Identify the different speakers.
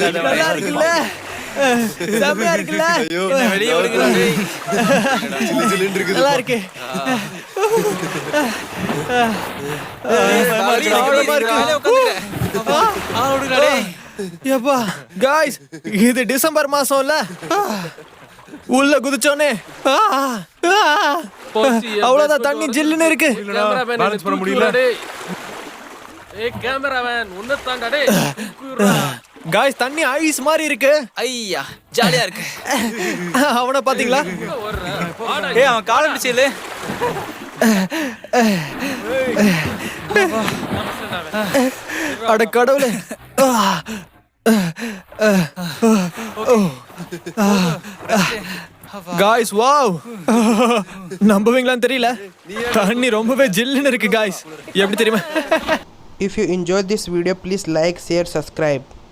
Speaker 1: நல்லா இருக்குல்ல செம்மையா இருக்குல்ல
Speaker 2: வெளியே விடுங்க டேய்.
Speaker 1: நல்லா இருக்கு ஆழமா இருக்கு.
Speaker 2: மேலே உட்காந்துக்கிறேன். விடுங்கடா டேய்.
Speaker 1: யப்பா காய்ஸ் இது டிசம்பர் மாசம்ல உள்ள குதிச்சோனே அவ்வளவுதான் தண்ணி ஜில்லுன்னு இருக்கு
Speaker 3: கேமராமேன்
Speaker 4: பேலன்ஸ் பண்ண முடியல.
Speaker 3: டேய். ஏய் கேமராமேன் உன்ன தாண்டா டேய்.
Speaker 1: காய்ஸ் தண்ணி ஐஸ் மாதிரி இருக்கு
Speaker 2: ஐயா ஜாலியா இருக்கு.
Speaker 1: அவனை பாத்தீங்களா
Speaker 2: ஏய் அவன் கால பிடிச்சல.
Speaker 1: அட கடவுளே காய்ஸ் வாவ் நம்புவீங்களான்னு தெரியல தண்ணி ரொம்பவே ஜில்லுன்னு இருக்கு காய்ஸ் எப்படி தெரியுமா
Speaker 5: If you enjoyed this video, please like, share, subscribe.